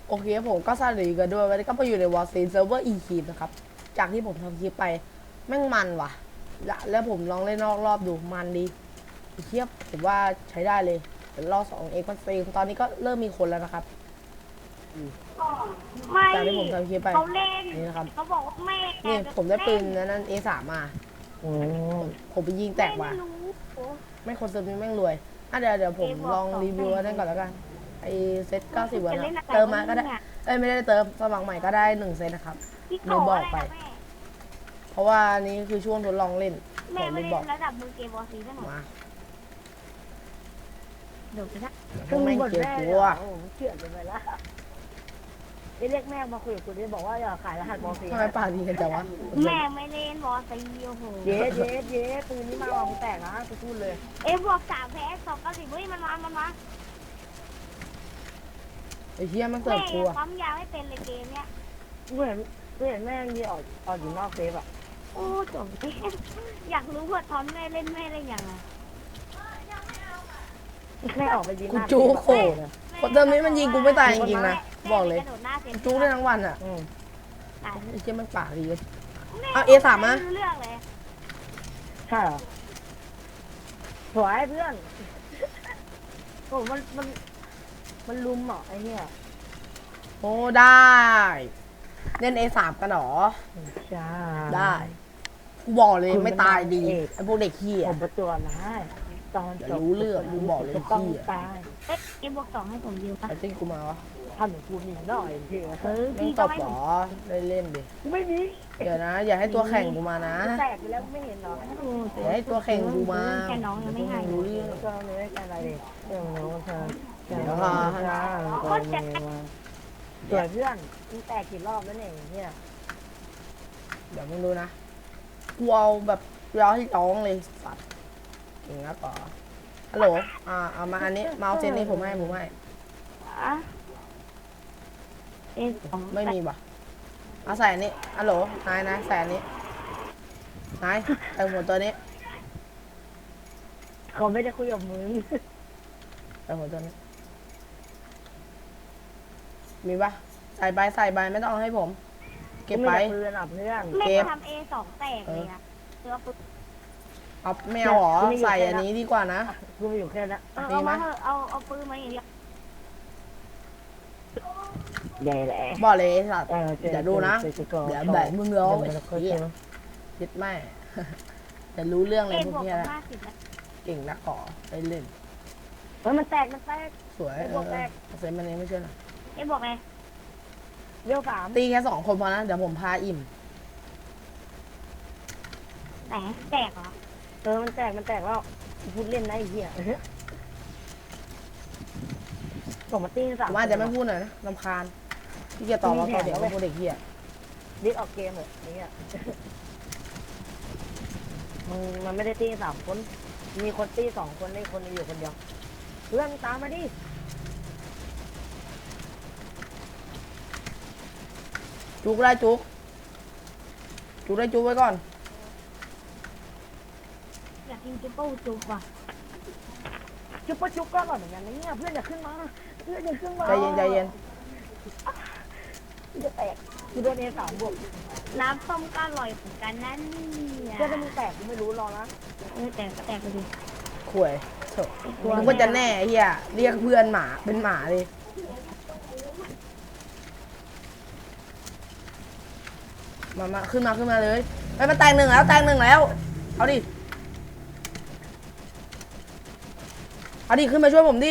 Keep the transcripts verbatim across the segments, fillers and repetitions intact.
โอเคผมก็สวัสดีกันด้วยวันนี้ก็มาอยู่ในวอร์ซีเซิร์ฟเวอร์อีคีนะครับจากที่ผมทำคลิปไปแม่งมันว่ะและแล้วผมลองเล่นนอกรอบดูมันดีเทียบผมว่าใช้ได้เลยเดี๋ยวรอสองเอ็กซ์มันซีตอนนี้ก็เริ่มมีคนแล้วนะครับไม่จากที่ผมทำคลิปไปเขาเล่นนี่นะครับเขาบอกว่าแม่นี่ผมได้ปืนนั้นเอสามมาอืมผมไปยิงแตกไม่มารู้ไม่คนเซิร์ฟนี้แม่งรวยอ่ะเดี๋ยวเดี๋ยวผมลองรีวิวอันนั่นก่อนแล้วกันไอเซตเก้าสิบวันนะเติมมาก็ได้เอ้ยไม่ได้เติมสมัครใหม่ก็ได้หนึ่งเซตนะครับพี่ลืมบอกไปแม่เพราะว่านี่คือช่วงทดลองเล่นผแม่มไม่ลืมบเล่อกนระดับมือเกมบอลซีได้หมดมาเดี๋ยวไปนะพวกแม่งเกลียดกูอ่ะโอ้โหเกลียดเลยละได้เรียกแม่มาคุยกับกูดิบอกว่าอย่าขายรหัสบอลสีทำไมปากดีกันจังวะแม่ไม่เล่นบอลซีโอ้โหเย้เย้เย้ปืนนี้มาเอาแตกนะกูพูดเลยเอ็มบวกสามแพ้สองเก้าสิบเฮ้ยมันมามันมาไอ้เหี้ยมันเสิแม่ร์ฟกูอ่ะปั๊มยาไม่เป็นเลยเกมเนี้ยกูเห็นกูเห็นแม่งมีออกออกอยู่นอกเซฟอ่ะโอ้จบเกมอยากรู้ว่าทอนแม่เล่นแม่เล่นยังไงแม่ออกไปยิงกูจูโคตรคนเติมนี้มันยิงกูไม่ตายจริงๆนะบอกเลยกระโดดหน้าเซ็นจูได้ทั้งวันอ่ะอืมตายไอ้เหี้ยมันปากดีเลยแม่เอา เอ สาม มาไรู้เรื่องเลยใช่เหรอสวยเพื่อนโอ้มันมันมันลุมเหรอไอ้เนี่ยโอ้ได้เล่น เอ สาม กันเหรอใช่ได้กูบอกเลยคุณไม่ตายดีเป็นนางเอกไอ้พวกเด็กขี้ผอ่ะมประจวบนะตอนเดี๋ยวจบรู้เรื่องกูบอกเลยจะต้องพี่อะตายเอ๊ะเอ็มบวกสองให้ผมยืมปะไอ้ที่กูมาวะทำเหมือนกูมีหน่อยพี่เออไม่พี่ตก็บให้หรผมอได้เล่นดิไม่มีเดี๋ยวนะ อย่าให้ตัวแข่งกูมานะแตกไปแล้วไม่เห็นเหรออย่าให้ตัวแข่งกูมาแค่น้องยังไม่ให้รู้เรื่องก็ไม่ได้กันอะไรดิเรื่องน้องเธอเดี๋ยวค่ะค่ะก็มีมาสวยเพื่อนมึงแตกกี่รอบแล้วเนี่ยเนี่ยเดี๋ยวมึงดูนะกูเอาแบบร้องที่ร้องเลยสัตว์เก่งนะต่อฮัลโหลอ่าเอามาอันนี้เมาส์เซนนี้ผมให้ผมให้อะเอ็มสองไม่มีป่ะเอาใส่อันนี้ฮัลโหลนายนายใส่อันนี้นายใส่หัวตัวนี้เขาไม่ได้คุยกับมึงใส่หัวตัวนี้มีป่ะใส่ใบใส่ใบไม่ต้องเอาให้ผม เก็บไปเพื่อนอ่ะเพื่อนแม่เก็บทำเอสองแตกเลยอะเสือปุ๊บเอาไม่เอาหรอใส่อันนี้ดีกว่านะกูมีอยู่แค่นั้นเออเอามาเถอะเอาเอาปืนมาอย่างเดียวใหญ่แหละบอกเลยไอ้สัตว์เออเดี๋ยวดูนะเดี๋ยวแบบมึงร้องไอ้เหี้ยยึดแม่ จะรู้เรื่องเลเอ็ยมพวบกวกเนี้ยกับนะห้าสิบนะเก่งนักก่อไปเล่นเฮ้ยมันแตกมันแตกสวยไอ้เอพวกอแรกเซนมันเองไม่ใช่เหรอเอ็มบอกไงเลี้ยวสามตีแค่สองคนพอนะเดี๋ยวผมพาอิ่มไหนแตกเหรอเออมันแตกมันแตกแล้วพูดเล่นนะไอ้เหี้ยส่งมาตีสามผมอาจจะไม่พูดหน่อยนะรำคาญพี่เกียรต่อเราต่อเด็กพวกเด็กเหี้ยดิสออกเกมเหรอเนี่ยมันมันไม่ได้ตีสามคน มีคนตีสองคนได้คนอยู่คนเดียวเพื่อนตามมาดิจุกได้จุกจุกได้จุกไว้ก่อนอยากกินจิ๊บเปิ้ลจุกว่ะจุ๊บปะจุ๊บก็อร่อยเหมือนกันนะเนี่ยเพื่อนอย่าขึ้นมาเพื่อนอย่าขึ้นมาใจเย็นใจเย็นจะแตกกูโดนเอสามบวกน้ำส้มก็อร่อยเหมือนกันนั่นเนี่ยเพื่อนจะมีแตกกูไม่รู้รอนะเออแตกก็แตกไปดิข่วยเถอะมึงก็จะแน่ไอ้เหี้ยเรียกเพื่อนหมาเป็นหมาเลยมามาขึ้นมาขึ้นมาเลยไปมาแตงหนึ่งแล้วแตงหนึ่งแล้วเอาดิเอาดิขึ้นมาช่วยผมดิ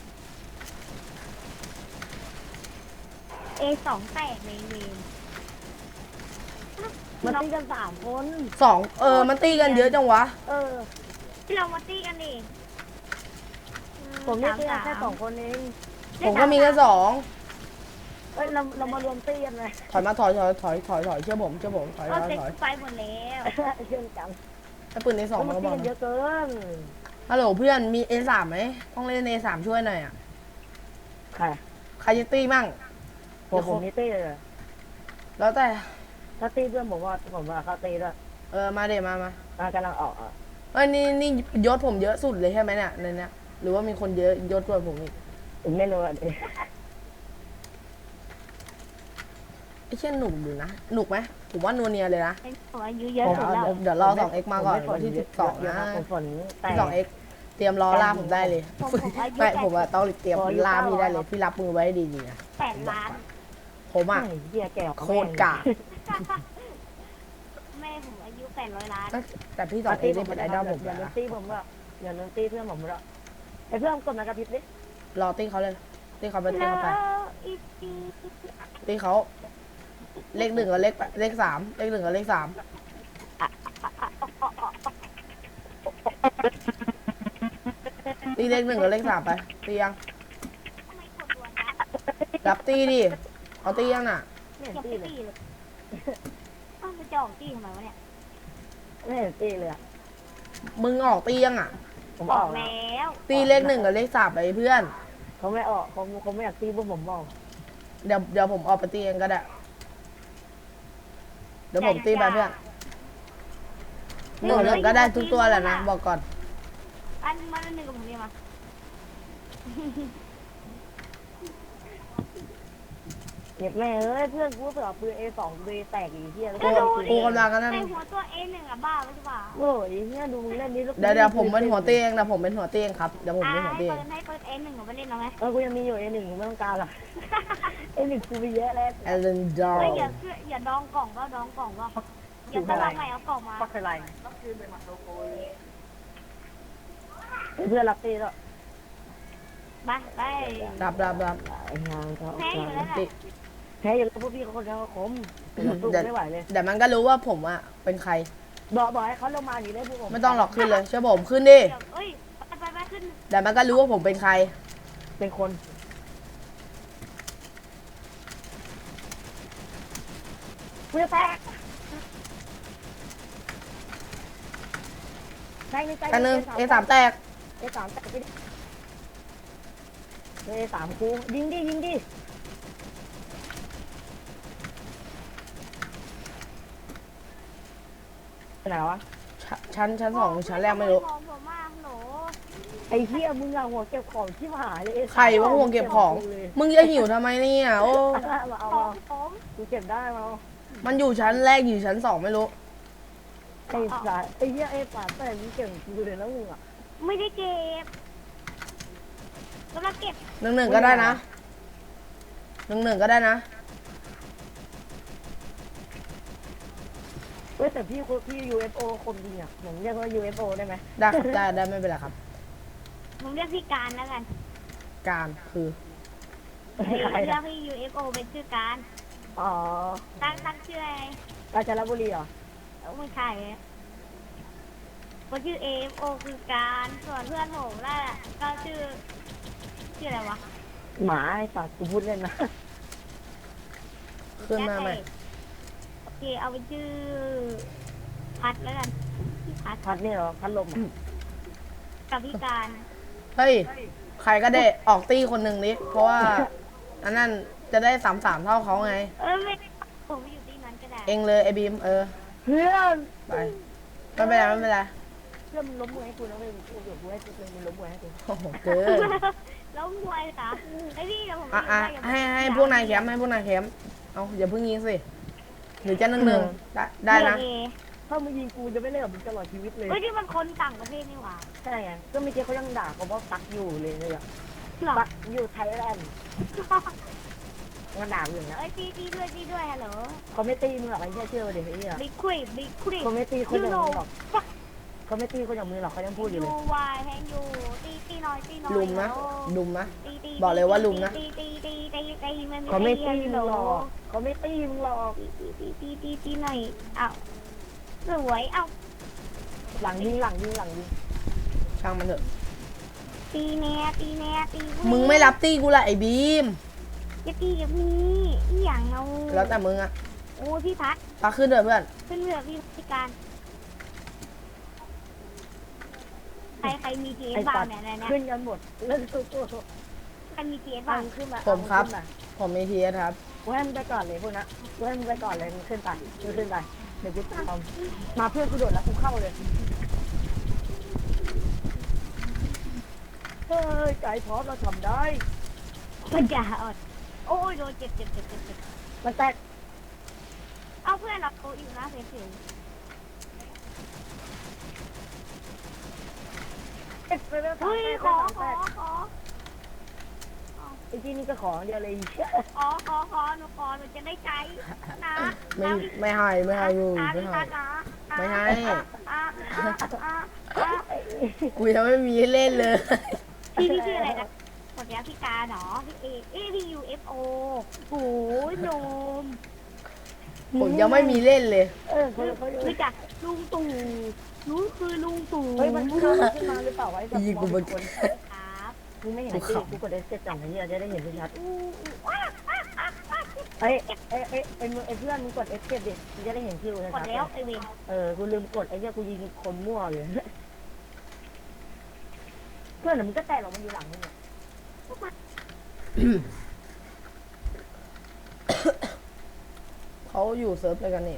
เอสองแตกในเวรมันตีกันสามคนสองเออมันตีกันเยอะจังวะเออที่เรามาตีกันดิผมนี่ตีกันแค่สองคนเองผมก็มีแค่สองเอ้ยเราเรามารวมตีกันเลยถอยมาถอยถอยถอยถอยถอยเชื่อผมเชื่อผมถอยถเราอยเซ็ตถอยไฟหมดแล้วเชื่อจังถ้าปืนในสองมัมันนก็ตีบอกกันเยนะอะเกินฮัลโหลเพื่อนมี เอ สาม ไหมต้องเล่น เอ สาม ช่วยหน่อยอ่ะใครใครจะตีมั่งผมผมนี่ตีเลยแล้วแต่ถ้าตีเพื่อนผมว่าผมว่าเขาตีด้วยเออมาเดี๋ยวมามาอ่ะกำลังออกอ่ะเอ้ยนี่นี่ยศผมเยอะสุดเลยใช่ไหมเนี่ยในเนี้ยหรือว่ามีคนเยอะยศกว่าผมอีกผมไม่รู้อ่ะดิไอ้เช่นหนุกอยู่นะหนุกไหมผมว่านัวเนียเลยนะเป็นหัวอายุเยอะเดี๋ยวสุดแล้วเดี๋ยวรอสองเอ็กมาก่อนผมวันที่ไม่สิบสองเยนะครับผมฝนแต่สองเอ็กเตรียมรอล่าผมได้เลยผมผมอายุไม่แปดผมอะต้องเตรียมผมอายุล่าพี่ได้เลยเก้าร้อยพี่รับมือไว้ดีๆนะแปดล้านผมอะไอ้เหี้ยแก่กว่าโคตรกะแม่ผมอายุแปดร้อยล้านแต่พี่สองเอ็กนี่เป็นไอดอลผมอย่านะโดนตีผมละอย่าโดนตีเพื่อนผมละไอ้เพื่อนกดมากระพริบดิรอตีเขาเลยตีเขาไปตีแล้เขาไปวอีปีตีเขาเลขหนึ่งกับเลขเลขสามเลขหนึ่งกับเลขสามตีเลขหนึ่งกับเลขสามไปตียังทำไมกดรัวนะรับตีดิเอาตียังน่ะไม่อย่าเห็นไปตีเลยตีเลยอ้าวมันจะออกตีทำไมวะเนี่ยไม่เห็นตีเลยอะมึงออกตียังอ่ะผมออออก กแล้วตีเลขหนึ่งกับเลขสามไปเพื่อนเขาไม่ออกเขาเขาไม่อยากตีพวกผมบอกเดี๋ยวเดี๋ยวผมออกไปตีเองก็ได้ เดี๋ยวผมตีไปเพื่อนหนึ่งหนึ่งก็ได้ทุกตัวแหละนะบอกก่อนอันมันหนึ่งกับผมเนี่ยมาเก็บแม่เอ้ยเพื่อนกูเสือปืน เอ สอง กูเลยแตกอีกเหี้ยแล้วกูก็กูกำลังกันนั่นในหัวตัวเอหนึ่งอะบ้าไม่ใช่ป่ะโอ้ยเหี้ยดูมึงเล่นนี้แล้วเดี๋ยวเดี๋ยวผมเป็นหัวตีเองนะผมเป็นหัวตีเองครับเดี๋ยวผมอ่าเป็นหัวให้ตีเอเปิงดให้เปิดเอหนึ่งกับไปเล่นเอาไหมเออกูยังมีอยู่ เอ หนึ่ง กูไม่ต้องการหรอก เอ หนึ่ง กูมีเยอะแล้วเอเลนดอเฮ้ยร์อย่าเชื่ออย่าดองกล่องก็ดองกล่องก็อย่าสลับใหม่เอากล่องมาปักอะไรเพื่อนรับตีแล้วไปไปรับรับรับไอ้งานเขาแพ้อยู่แล้วตีน่ะแพ้อยู่แล้วพวกพี่เขาคนเดียวคมเราสู้ไม่ไหวเลยเดี๋ยวมันก็รู้ว่าผมอะเป็นใครบอกบอกให้เขาลงมาอยู่ได้พวกผมไม่ต้องหลอกขึ้นเลยเชื่อผมขึ้นดิเดี๋ยวเอ้ยไปไปไปขึ้นเดี๋ยวมันก็รู้ว่าผมเป็นใครเป็นคนเพื่อแตกแตกในใจกันหนึ่งเอสามแตกเอสามแตกไปดิเอสามกูยิงดิยิงดิไปไหนวะชั้นชั้นสองหรือชั้นแรกไม่รู้ผมผมมากหนูไอ้เหี้ยมึงอะหัวเก็บของที่หายเลยใครว่าห่วงเก็บของ มึงจะหิวทำไมเนี่ยโอ้มาเอาผมามผมกูเก็บได้มามันอยู่ชั้นแรกอยู่ชั้นสองไม่รู้ไอ้สายไอ้เหี้ยไอ้ป่าแต่มึงเก่งกูเลยนะมึงอะไม่ได้เก็บกำลังเก็บหนึ่งหนึ่งก็ได้นะหนึ่งหนึ่งก็ได้นะเว้ยแต่พี่คนพี่ ยู เอฟ โอ คนดีอ่ะผมเรียกว่า ยู เอฟ โอ ได้ไหมได้ครับได้ได้ไม่เป็นไรครับผมเรียกพี่การแล้วกันการคือใครเรียอะกพี่ ยู เอฟ โอ เป็นชื่อการอ๋อตั้งตั้งชื่ออะไรกาญจนบุรีเหรอเออไม่ใช่คนชื่อ เอ เอฟ โอ คือการส่วนเพื่อนผมน่ะก็ชื่อชื่ออะไรวะหมาไอ้สัตว์กูพูดเล่นนะขึ้นมาไหมโอเคเอาเป็นชื่อพัดแล้วกันพี่พัดพัดนี่เหรอพัดลมอะกับพี่การเฮ้ย ใครก็ได้ออกตี้คนหนึ่งนิเพราะว่า อันนั้นจะได้สามสามเท่าเขาไงเออไม่ผมอยู่ที่นั้นก็ได้เองเลยไอ้บีมเออเพื่อนไปไม่เป็นไรไม่เป็นไรเพื่อนมึงล้มมวยให้กูนะเว้ยมึงกูเดี๋ยวกูให้กูเป็นมึงล้มมวยให้กูโอ้โหเกินแล้วมวยเหรอไอ้พี่เดี๋ยวผมอ่ะอ่ะให้ให้พวกนายแคมป์ให้พวกนายแคมป์เอาอย่าเพิ่งยิงสิหรือจะหนึ่งหนึ่งได้ได้นะเอถ้ามึงยิงกูจะไม่เล่นกับมึงตลอดชีวิตเลยเฮ้ยนี่มันคนต่างประเทศนี่หว่าใช่ไงก็เมื่อกี้เขายังด่าเขาว่าตักอยู่เลยเนี่ยหรอตักอยู่ไทยแลนด์มันด่าอยู่นะเอ้ยตีตีด้วยตีด้วยฮัลโหลเขาไม่ตีมึงหรอกไอ้เหี้ยเชื่อเดี๋ยวไอ้เหี้ยบิ๊กควิกบิ๊กควิกเขาไม่ตีคนอย่างมึงหรอกฟักเขาไม่ตีคนอย่างมึงหรอกเขายังพูดอยู่เลยูยวายแฮงยูตีตีหน่อยตีหน่อยลุมนะลุมนะตีตีบอกเลยว่าลุมนะตีตีตีตีตีตีมันเขาไม่ตีฮัมึลงโหลหรอกเขาไม่ตีมึงหรอกตีตีตีตีตีหน่อยอ้าวสวยเอ้าหลังยิงหลังยิงหลังยิงช่างมันเถอะตีแน่ตีแน่ตีกูมึงไม่รับตี้กูละไอ้บีมจะตีกับพี่อีหยังเอาแล้วแต่มึงอะโอ้ยพี่พัดปาขึ้นเถอะเพื่อนขึ้นเรือพี่พิการใครใครมีทีเอไอ้สบ้าสังตว์เนี่ยเนี่ยขึ้นกันหมดเล่นตัวตัวใครมีทีเอสฟับ้าง งขึ้นมาผมครับขึ้นมาผมมีทีเอสครับกูให้มึงไปก่อนเลยพวกนั้นกูให้มึงไปก่อนเลยมึงขึ้นไปมึงขึ้นไปเดี๋ยวกูตามมาเพื่อนกูโดดแล้วกูเข้าเลยเฮ้ยใจพร้อมเราทำได้มันจะอดโอ้ยโดนเจ็บเจ็บเจ็บเจ็บเจ็บมันแตกเอาเพื่อนเราอยู่นะเฉยเอ๊ะไปเรื่องๆสามเฮ้ยแปดขอสามขแปอดขอไอ้ที่นี่ก็ของเดียวเลยเชี่ยขอขอขอหนูขอหนูจะได้ใจนะไม่ไม่ให้ไม่ให้อยู่ไม่ให้ ไม่ให้ กูยังไม่มีให้เล่นเลยพี่พี่ชื่ออะไรนะคนนี้พี่การเหรอพี่เอเอพี่ยูเอฟโอโอ้ยหนุ่มผมยังไม่มีเล่นเลยเออเขาเขารู้จักลุงตู่รู้คือลุงตู่เฮ้ยมันขึ้นมาขึ้นมาหรือเปล่าวะไอ้แบบอีกกูมมัอน งคนครับมึงไม่เห็นไอ้ที่กูกดเอสเจ็ดจังไอ้เหี้ยจะได้เห็นชัดอู้อู้ว้าว้าว้าว้าๆไอ้ไอ้ไอ้ไอ้มึงไอ้เพื่อนมึงกดเอสเจ็ดดิมึงจะได้เห็นคิวชัดกดแล้วไอเวนเออกูลืมกดไอ้เหี้ยกูยิงคนมั่วเลยเพื่อนมึงก็แตะหรอกมันอยู่หลังมึงเนี่ยเขาอยู่เซิร์ฟอะไรกันเนี่ย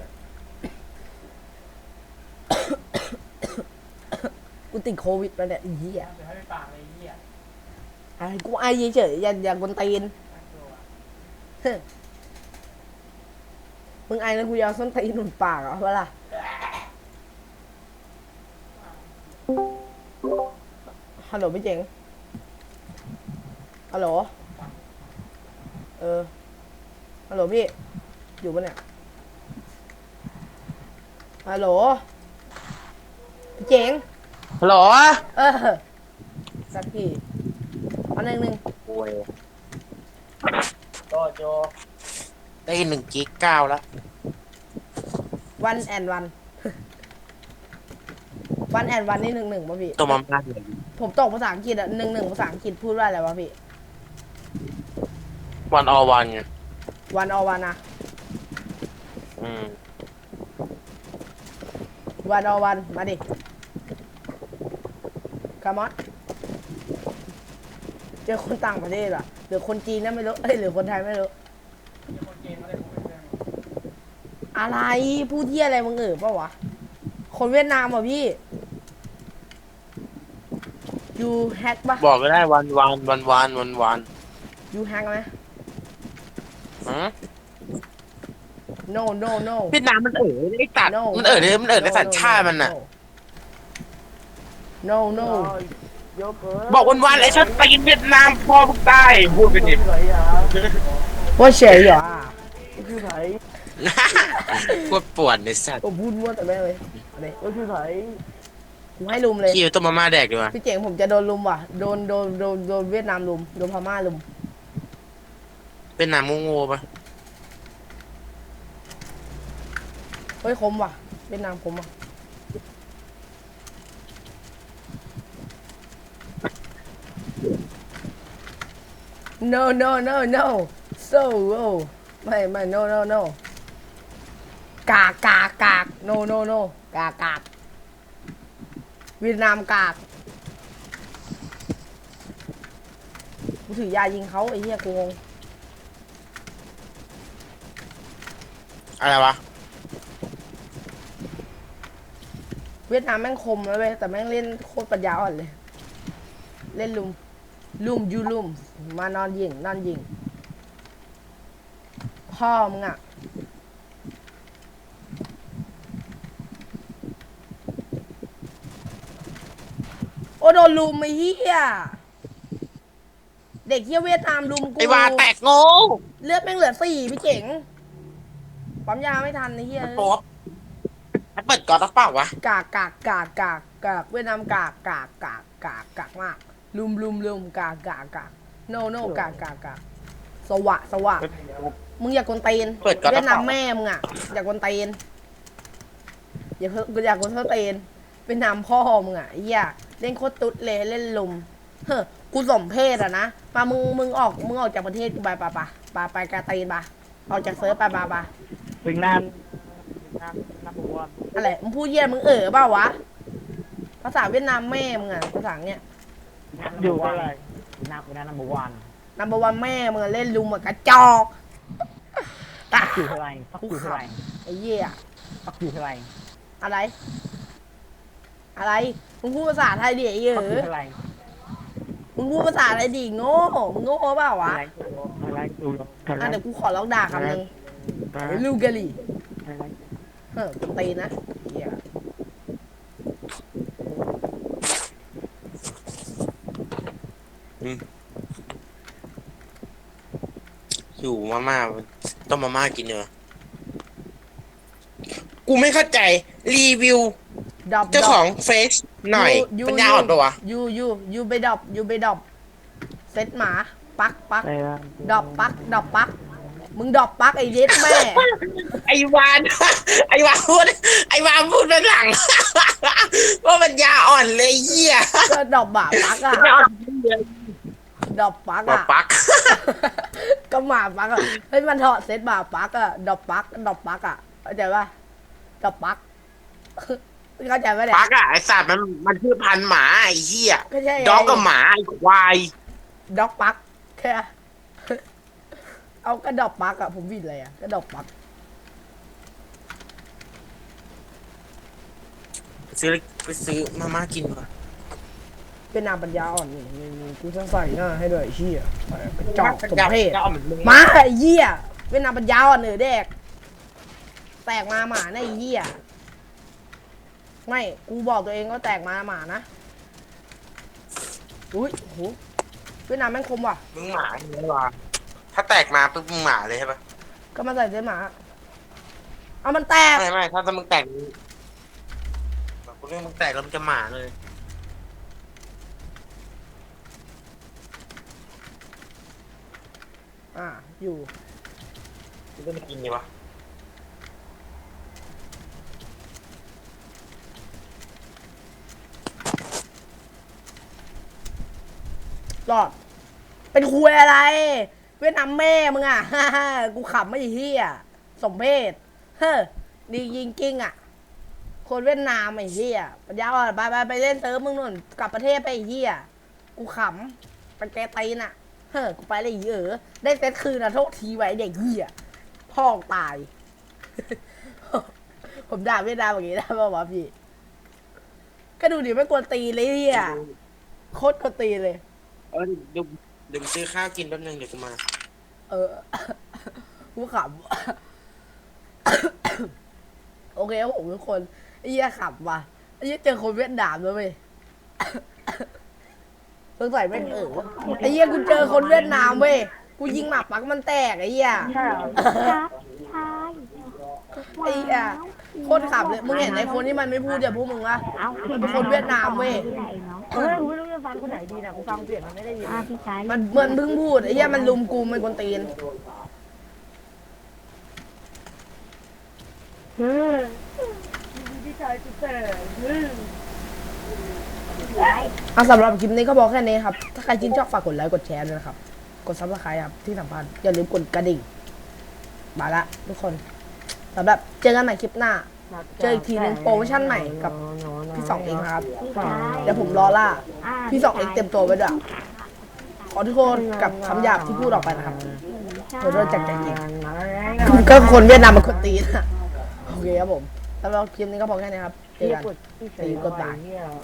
กูติดโควิดแล้วเนี่ยไอ้เหี้ยไอ้กูไอเฉยๆอย่าอย่ากวนตีนเฮ้ยมึงไอแล้วกูยาวส้นตีนหนุนปากเหรอเวล่ะฮัลโหลพี่เจ๋งฮัลโหลเออฮัลโหลพี่อยู่ปะเนี่ยฮัลโหลพี่เจ๋งฮัลโหลเออสักทีอันหนึ่งหนึ่งโอ้ยโจโจได้หนึ่งกิกเก้าแล้ววันแอนวัน วันแอนวันนี่หนึ่งหนึ่งป่ะพี่ตัวมาม่าเลยผมตกภาษาอังกฤษอ่ะหนึ่งหนึ่งภาษาอังกฤษพูดว่าอะไรวะพี่วันออวันไงวันอวันนะอืมวันอวันมาดิคามอนเจอคนต่างประเทศอ่ะหรือคนจีนนะไม่รู้เอ้ยหรือคนไทยไม่รู้อะไรพูดเที่ยอะไรมึงเออปะวะคนเวียดนามเหรอพี่ยูแฮกปะบอกก็ได้วันวันวันวันวันวันยูแฮกไหมอืม no no no เวียดนามมันเอ๋อไอ้ตัด no มันเอ๋อเลยมันเอ๋อในสัญชาติมันน่ะ no no โยเกิร์ตบอกวันวันไอ้ชัดตีนเวียดนามพอมึงตายพูดไปดิไหนอ่ะว่าเฉยเหรอคือไหนพูดปวดในสัตว์ผมพูดมั่วแต่แม่งเลยอะไรก็คือไหนกูให้ลุมเลยขี้ตัวมาม่าแดกดีกว่าพี่เจ๋งผมจะโดนลุมว่ะโดนโดนโดนโดนเวียดนามลุมโดนพม่าลุมเวียดนามโง่ๆปะเฮ้ยคมว่ะเวียดนามคมว่ะ no no no no so oh ไม่ไม่ no no no กากกากกาก no no no กากกากเวียดนามกากกูถือยายิงเขาไอ้เหี้ยกูงงอะไรวะเวียดนามแม่งคมแล้วเว้ยแต่แม่งเล่นโคตรปัญญาอ่อนเลย เล่นลุมลุมยูลุมมานอนยิงนอนยิงพ่อมึงอ่ะโอ้โดนลุมไอ้เหี้ยเด็กเหี้ยเวียดนามลุมกูไอ้วาแตกโง่เลือดแม่งเหลือสี่พี่เจ๋งปั๊มยาไม่ทันไอ้เหี้ยโป๊ะมันเปิดก่อนหรือเปล่าวะกากกากกากกากกากเวียดนามกากกากกากกากกากมากลุมลุมลุมกากกากกากโนโนกากกากกากสวะสวะมึงอย่ากวนตีนเปิดก่อนหเวีรืยอดเปนาล่ามแม่มึงอ่ะอย่ากวนตีนอย่าเพิ่งอย่ากวนเท่าตีนเวียดนามพ่อมึงอ่ะไอ้เหี้ยเล่นโคตรตุ๊ดเลยเล่นลุมเฮ้อกูสมเพศอ่ะนะมามึงมึงออกมึงออกจากประเทศกูไปปะปะปะไปกาตีนปะออกจากเซิร์ฟไปปะปะถึงนานนานนานบัวอะไรมึงพูดเยี่ยมึงเอ๋อเปล่าวะภาษาเวียดนามแม่มึงอ่ะภาษาเนี้ยอยู่อะไรนาคุณนานบัววันนัมเบอร์วันแม่มึงอะเล่นลุมอะกระจอกปักอยู่เท่าไรปักอยู่เท่าไรไอ้เหี้ยปักอยู่เท่าไรอะไร อะไรมึงพูดภาษาไทยดิไอ้เหี้ยปักอยู่เท่าไรมึงพูดภาษาอะไรดิโง่มึงโง่เปล่าวะอะไรอะไรดูเท่าไรอ่ะเดี๋ยวกูขอลองด่าคำหนึ่งลูกกะหรี่อะไรเฮ้ยกูตีนะเหี้ยอยู่มาม่าต้มมาม่ากินเนอะกูไม่เข้าใจรีวิวดอบเจ้าของเฟซหน่อย ปัญญาอ่อนปะวะยูยูยูไปดอบยูไปดอบเซตหมาปักปักไปว่าดอบปักดอบปักมึงดอบปักไอ้เด็ดแม่ไอวาน ไอวานพูดไอวานพูดด้านหลัง ว่าปัญญาอ่อนเลยเหี้ยก็ดอบหมาปักอะปัญญาอ่อนเลยดอบปักมาอะปักก็หมาปักอะเฮ้ยมันถอดเซตหมาปักอะดอบปักดอบปักอะเข้าใจปะดอบปัก เข้าใจปะเนี่ยปักอะไอสัตว์มันมันชื่อพันธุ์หมาไอเหี้ยก็ใช่ไงด็อกกับหมาไอควายด็อกปักแค่ เอากระดอบปักอะผมวิดเลยอะกระดอบปักไปซื้อไปซื้อมาม่ากินก่อนเป็นนามปัญญาอ่อนนี่นี่นี่กูต้องใส่หน้าให้ด้วยไอ้เหี้ยกระจอกสมเพศจะเอาเหมือนมึงมาไอ้เหี้ยเวียดนามปัญญาอ่อนเหนือเด็กแตกมาหมานะไอ้เหี้ยไม่กูบอกตัวเองก็แตกมาหมานะอุ้ยโหเวียดนามแม่งคมว่ะมึงหมาอย่างนี้วะถ้าแตกมาปุ๊บมึงหมาเลยใช่ปะก็มาใส่เสื้อหมาเอามันแตกไม่ไม่ถ้าถ้ามึงแตกแบบกูเรื่องมึงแตกแล้วมึงจะหมาเลยอ่าอยู่มึงก็ไม่กินดีวะรอด เป็นคุยอะไร เวียดนามแม่มึงอ่ะ กูขำไม่เหี้ยสมเพศเฮ้อดีจริงจริงๆอ่ะ คนเวียดนามไอ้เหี้ยปัญญาอ่อนไปไปไปเล่นเซิร์ฟมึงนู่นกลับประเทศไปไอ้เหี้ยกูขำเป็นแกตีนอ่ะ เฮ้อกูไปเลยไอ้เออได้เซตคืนนะโทษทีไว้เด็กเหี้ยพ่อตาย ผมด่าเวียดนามอย่างนี้ได้ป่าวะพี่ ก็ดูดิไม่กวนตีนเลยเหี้ยโคตรกวนตีนเลยเออเดี๋ยวเดี๋ยวกูซื้อข้าวกินแป๊บนึงเดี๋ยวกูมาเออ กูขำ โอเคครับผมทุกคนไอ้เหี้ยขำว่ะไอ้เหี้ยเจอคนเวียดนามด้วยเว้ย สงสัยไม่งเออไอ้เหี้ยกูเจอคนเวียดนามเว้ยกูยิงหมาปักมันแตกไอ้เหี้ยใช่เหรอครับใช่ไอ้เหี้ยโคตรขำเลยมึงเห็นไอ้คนที่มันไม่พูดอย่าพูดมึงวะเอามันเป็นคนเวียดนามเว้ยไหนเนาะเฮ้ยกูไม่รู้จะฟังคนไหนดีนะกูฟังเสียงมันไม่ได้ยินอ่าพี่ชายมันเหมือนเพิ่งพูดไอ้เหี้ยมันลุมกูมันกวนตีนเฮ้ยพี่ชายกูแต่เฮ้ยอ่ะสำหรับคลิปนี้ก็บอกแค่นี้ครับ ถ้าใครชื่นชอบฝากกดไลค์กดแชร์ด้วยนะครับ กดซับสไครต์ครับที่สำคัญอย่าลืมกดกระดิ่งมาละทุกคนสำหรับเจอกันใหม่คลิปหน้า เจออีกทีนึงโปรโมชั่นใหม่กับพี่สองเองครับพี่ชายเดี๋ยวผมรอล่าอ่าพี่สองเองเต็มตัวไว้ด้วยขอทุกคนกับคำหยาบที่พูดออกไปนะครับขอโทษจากใจจริงก็คนเวียดนามมันคนตีนอะโอเคครับผมสำหรับคลิปนี้ก็พอแค่นี้ครับเจอกันกดที่ใส่กดบาท